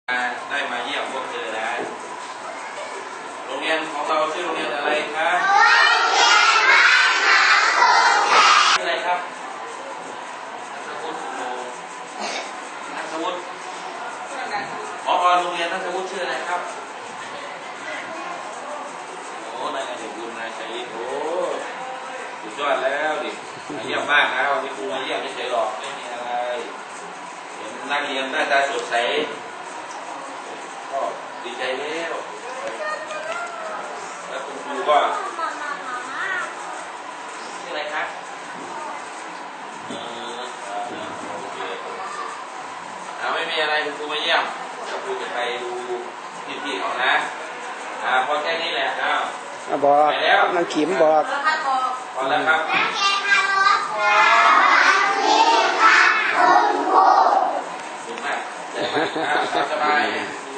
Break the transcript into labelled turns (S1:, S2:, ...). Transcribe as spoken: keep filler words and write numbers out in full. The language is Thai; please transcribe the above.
S1: ได้มาเยี่ยมพวกเธอนะโรงเรียนของเราชื่อโรงเรียนอะไรครับชื่ออะไรครับนัทวุฒิโนนัทวุฒิผอโรงเรียนนัทวุฒิชื่ออะไรครับโอ้นายเด็กบุญนายชัยโอ้สุดยอดแล้วดิเยี่ยมมากนะวันนี้ครูมาเยี่ยมเฉยๆหรอกไม่มีอะไรเห็นนักเรียนหน้าตาสดใสก็ดีใจแล้วแล้วคุณครูก็ชื่ออะไรครับเออโอเคอ่าไม่มีอะไรคุณครูมาเยี่ยมเดี๋ยวครูจะไปดูพี่ๆเขานะอ่าพอแค่นี้แหละอ้าว
S2: บอก
S1: ไปแล้ว
S2: น้องขิมบอก
S1: พอแล้วครับขอบคุณมากสบาย